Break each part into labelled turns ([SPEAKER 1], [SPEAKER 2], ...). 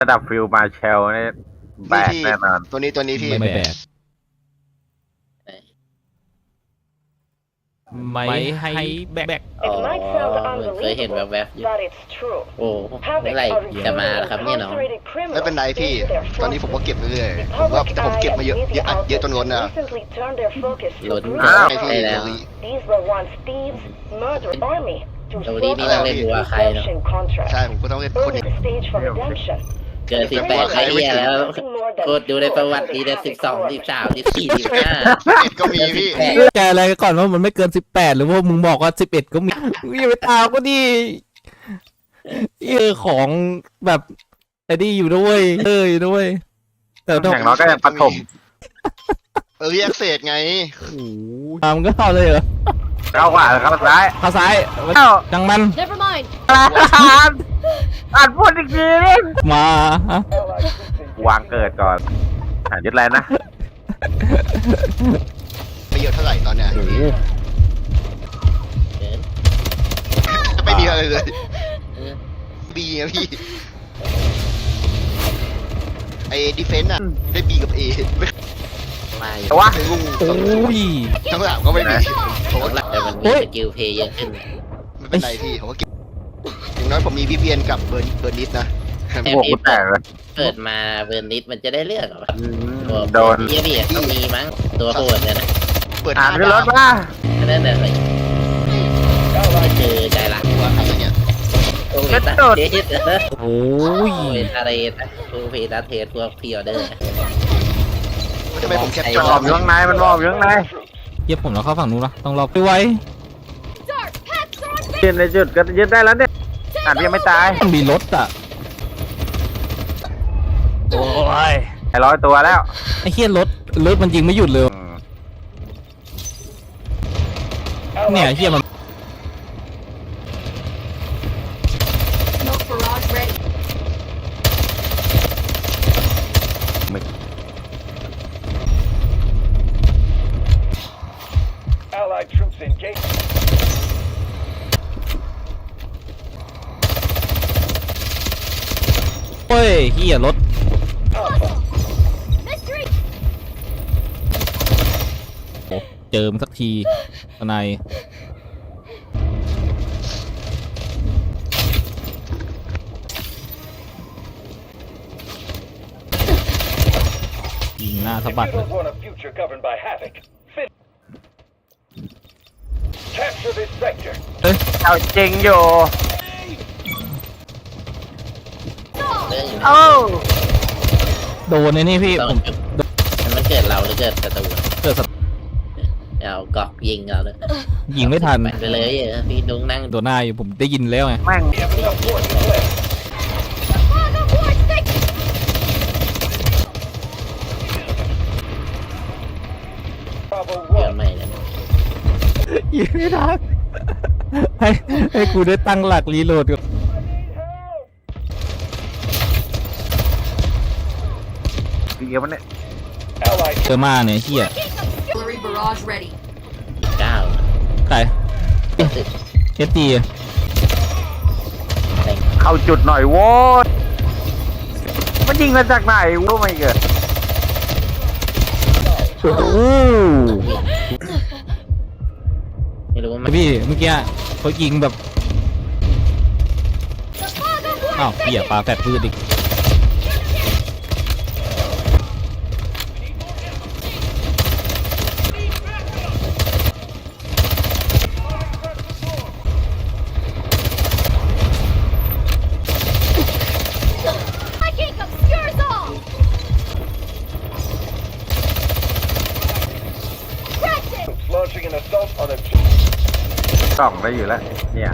[SPEAKER 1] ระดับฟิลมาเชลนี่แบกแน่นอน
[SPEAKER 2] ตัวนี้พี่
[SPEAKER 3] ไม่แบกไม่ให้แบก
[SPEAKER 4] อ๋อเคยเห็นแวบๆอยู่โอ้เมื่อไหร่จะมาครับเนี่ยน้อง
[SPEAKER 2] ไม่เป็นไรพี่ตอนนี้ผมก็เก็บเรื่อยๆผมเก็บมาเยอะเยอะจนล้นนะ
[SPEAKER 4] ล้น
[SPEAKER 2] ให้
[SPEAKER 4] ได้
[SPEAKER 2] พี่
[SPEAKER 4] แล้วดูดีนี่ต้องเล่นวัวใครเนาะ
[SPEAKER 2] ใช่ผมก็ต้องเล่นคนนี้
[SPEAKER 4] เกิน18ใครเนี่ยแล้วกดดูในประวัติดีเลย12 13 14 15
[SPEAKER 2] ก็มีพี่
[SPEAKER 3] แกอะไรก่อนว่ามันไม่เกิน18หรือว่ามึงบอกว่า11ก็มีอย่าไปตามก็ดิของแบบไอ้นี่อยู่ด้วยอยู่ด้วยแต่
[SPEAKER 1] อย่างน้อยก็ยังปฐม
[SPEAKER 2] เรียกเศษไง
[SPEAKER 3] ตามก็เข้าเลยเหรอ
[SPEAKER 1] เข้าขวาเข้าซ้าย
[SPEAKER 3] เข้าซ้ายดังมัน
[SPEAKER 1] อ่านพูดอีกทีนึง
[SPEAKER 3] มาว
[SPEAKER 1] างเกิดก่อนยึดแลนนะ
[SPEAKER 2] ไม่เยอะเท่าไหร่ตอนเนี้ยไม่มีอะไรเลยบีนะพี่ไอ้ดิเฟนต์อะได้บีกับเอ
[SPEAKER 1] แต่ว่า
[SPEAKER 2] ลุง
[SPEAKER 3] โอ้ย
[SPEAKER 2] ทั้งหลังก็ไม่มี
[SPEAKER 4] ผมว่าแต่มันมีสกิลเพย์เยอะขึ้น
[SPEAKER 2] ไม่เป็นไรพี่ผมก็เก็บอย่างน้อยผมมีวิเวียนกับเบอร์นิดนะ
[SPEAKER 1] โอ้โหแตกเลย
[SPEAKER 4] เปิดมาเบอร์นิดมันจะได้เลือกหรอ
[SPEAKER 1] โดน
[SPEAKER 4] เยี่ยต้องมีมั้งตัวโหดเนี่ยนะ
[SPEAKER 2] เปิด
[SPEAKER 1] อ่านขึ้นรถมา
[SPEAKER 4] นั่นเลยคือใจรักว่าอะไรเนี่ยโอ้ยตาเทส
[SPEAKER 3] โอ้ย
[SPEAKER 4] ตาเรตตัวเพตาเทสตัวพิออเดอร์
[SPEAKER 2] ทำไมผมแคปจ
[SPEAKER 1] มันมอบอยู่ข้างในมันมอบอยู่ข้างใน
[SPEAKER 3] เย็บผมแล้วเข้าฝั่งนู้นละต้องรอไปไว้
[SPEAKER 1] ยืนในจุดก็ยึดได้แล้วเนี่ยยังไม่ตาย
[SPEAKER 3] มีรถอ่ะโอ้ย
[SPEAKER 1] 100 ตัวแล้ว
[SPEAKER 3] ไอ้เหี้ยรถมันยิงไม่หยุดเลยเนี่ยเหี้ยมันเฮ้ยเหี้ยรถเจิมสักทีข้างในยิงหน้าสะบัดเลย
[SPEAKER 1] เอาจริงอยู่
[SPEAKER 3] โดนไอ้นี่พี่ผม
[SPEAKER 4] มันเกิดเราหรือเกิดศัตรู
[SPEAKER 3] เกิด
[SPEAKER 4] เอากอกยิงเราเลย
[SPEAKER 3] ยิงไม่ทัน
[SPEAKER 4] ไปเลยพี่ดุ้งนั่ง
[SPEAKER 3] ตัวหน้าอยู่ผมได้ยินแล้วไง
[SPEAKER 1] แม่ง
[SPEAKER 4] เยอะใหม่เลย
[SPEAKER 3] ยิงไม่ทันให้กูได้ตั้งหลักรีโหลดก่อน
[SPEAKER 1] เกี่ยวมันเนี่ย
[SPEAKER 3] เจอมาเนี่ยเฮีย
[SPEAKER 4] 9
[SPEAKER 3] ใครเอสตี
[SPEAKER 1] เข้าจุดหน่อยโว้ยมันยิงมาจากไหนวะไม่เกิด
[SPEAKER 4] ไม่รู้ว่า
[SPEAKER 3] พี่เมื่อกี้เขายิงแบบอ้าวเหี้ยปลาแฟดพืชอีก
[SPEAKER 1] ส่องได้อยู่แล้วเนี่ย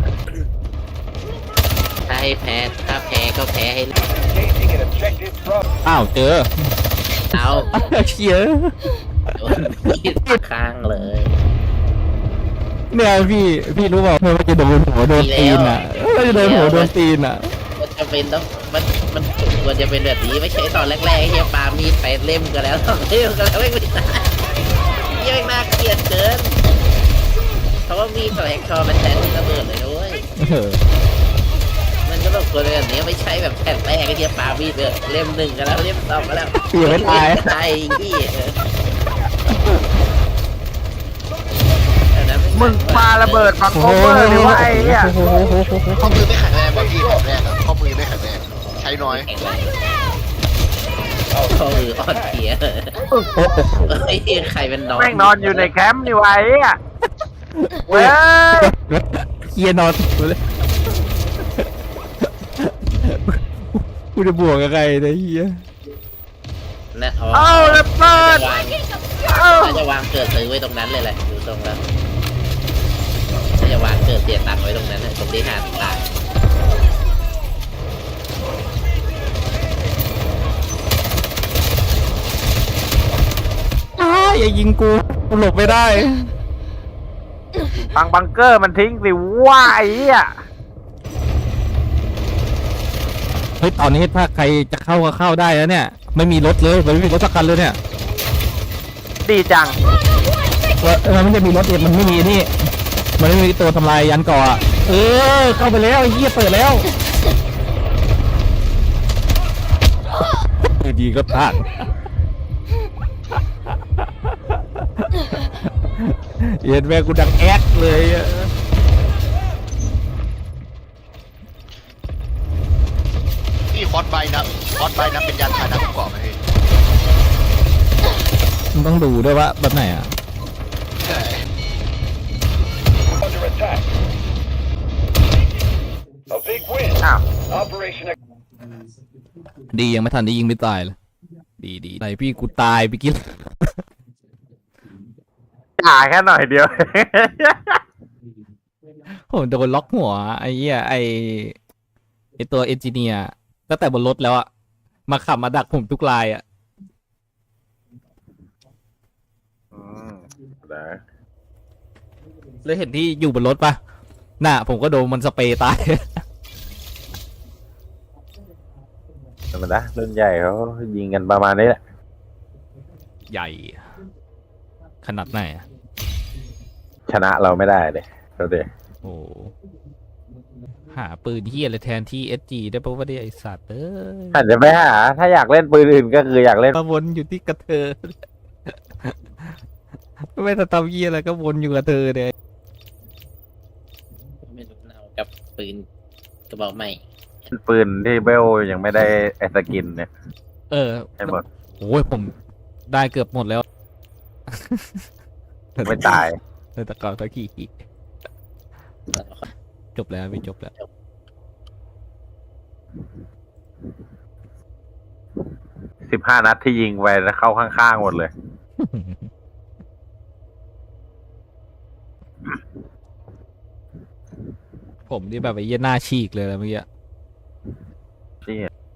[SPEAKER 4] ถ้าให้แพ้ก็แพ้ให้
[SPEAKER 3] อ้าวเจอ
[SPEAKER 4] เอา
[SPEAKER 3] เชี่ย
[SPEAKER 4] โดนมีดข้างเลย
[SPEAKER 3] เนี่ยพี่รู้เปล่ามันจะโดนหัวโดนตีนอ่ะมันจะโดนหัวโดนตีนอ่ะ
[SPEAKER 4] มันจะเป็นต้องมันควรจะเป็นแบบนี้ไม่ใช่ตอนแรกๆเฮียปามีดไปเล่มกันแล้ว2 เล่มกันแล้วไม่ตายเฮียน่าเกลียดเกินเพราะว่ามีดแหลกคอมันแทนระเบิดเลยด้วยมันก็แบบคนแบบนี้ไม่ใช่แบบแผ่นแรกไอ้เหี้ยปามีดเลยเล่มหนึ่งกันแล้วเล่มสองกันแล้ว
[SPEAKER 3] พี่ยังไม่ตาย
[SPEAKER 4] ตายอีก
[SPEAKER 1] มึงปาระเบิดฝั่ง
[SPEAKER 3] โอ้
[SPEAKER 1] โค
[SPEAKER 3] โห
[SPEAKER 1] เวอร์เลยวะไอ้เหี้ย
[SPEAKER 3] โอ้โห
[SPEAKER 2] ข้อมือไม่แข็งแรงว่ะพี่แบบแรกอะข้อมือไม่แข็งแรงใช้น้อย
[SPEAKER 4] เขามืออ่อนเพลียไอ้เหี้ยใครเป็นน้อง
[SPEAKER 1] แม่งนอนอยู่ในแคมป์นี่วะไอ้เหี้ยเว้ย
[SPEAKER 3] เฮียนอนเลยกูจะบวกกับใครเนี่ยเฮีย
[SPEAKER 4] นะอ๋อ
[SPEAKER 1] เอาระเบิดเอา
[SPEAKER 4] น่าจะวางเกิดซื้อไว้ตรงนั้นเลยแหละดูตรงแล้วน่าจะวางเกิดเสียตังค์ไว้ตรงนั้นเลยตรงที่หาตาย
[SPEAKER 3] อย่ายิงกูหลบไม่ได้
[SPEAKER 1] ฟังบังเกอร์มันทิ้งสิว่าไอ้เหี้ย
[SPEAKER 3] เฮ้ยตอนนี้ถ้าใครจะเข้าก็เข้าได้แล้วเนี่ยไม่มีรถเลยไม่มีรถสักคันเลยเนี่ย
[SPEAKER 1] ดีจัง
[SPEAKER 3] มันไม่ได้มีรถเองมันไม่มีนี่มันไม่มีตัวทำลายยันก่ออะเข้าไปแล้วไอ้เหี้ยเปิดแล้วดีก็พลาดเห็นแม่กูดังแอดเลยอะ
[SPEAKER 2] พี่คอสไบนะคอสไบนะเป็นยานพาหนะประกอบไหมพี่
[SPEAKER 3] มันต้องดูด้วยว่าแบบไหนอ่ะ
[SPEAKER 2] ใช่
[SPEAKER 5] Under attack. A big win.
[SPEAKER 1] อ้าว
[SPEAKER 5] Operation
[SPEAKER 3] ดียังไม่ทันได้ยิงไม่ตายเลยดีไหนพี่กูตายไปกิน
[SPEAKER 1] จ่าแค่หน่อยเดียว
[SPEAKER 3] ผมโดนล็อกหัวไอ้เหี้ยไอ้ตัวเอนจิเนียร์ตั้งแต่บนรถแล้วอะมาขับมาดักผมทุกลายอะเลยเห็นที่อยู่บนรถปะน่ะผมก็โดนมันสเปรย์ตาย
[SPEAKER 1] ธรรมดารุ่นใหญ่เขายิงกันประมาณนี้แหละ
[SPEAKER 3] ใหญ่ ขนาดไหนอะ
[SPEAKER 1] ชนะเราไม่ได้เลยเราเด็
[SPEAKER 3] โอ้หาปืนเหี้ยอะไรแทนที่ SG ได้ปะว่าได้ไอสัตว์
[SPEAKER 1] อาจจะไม่หาถ้าอยากเล่นปืนอื่นก็คืออยากเล่น
[SPEAKER 3] มาวนอยู่ที่กระเธอ ไม่ทำเหี้ยอะไรก็วนอยู่กับเธอเนี่ย
[SPEAKER 4] ไม่รู้เอากับปืนกระบอกใหม่
[SPEAKER 1] ปืนที่เบลยังไม่ได้ไอสกินเนี่ย ให้หมด
[SPEAKER 3] โอ้ยผมได้เกือบหมดแล้ว
[SPEAKER 1] ไม่ตาย
[SPEAKER 3] เลยตะกอนตะกี้จบแล้วไม่จบแล้ว
[SPEAKER 1] 15 นัดที่ยิงไปแล้วเข้าข้างๆหมดเลย
[SPEAKER 3] ผมนี่แบบไอ้เหี้ยหน้าฉีกเลยแล้วเมื่อกี้
[SPEAKER 1] นี่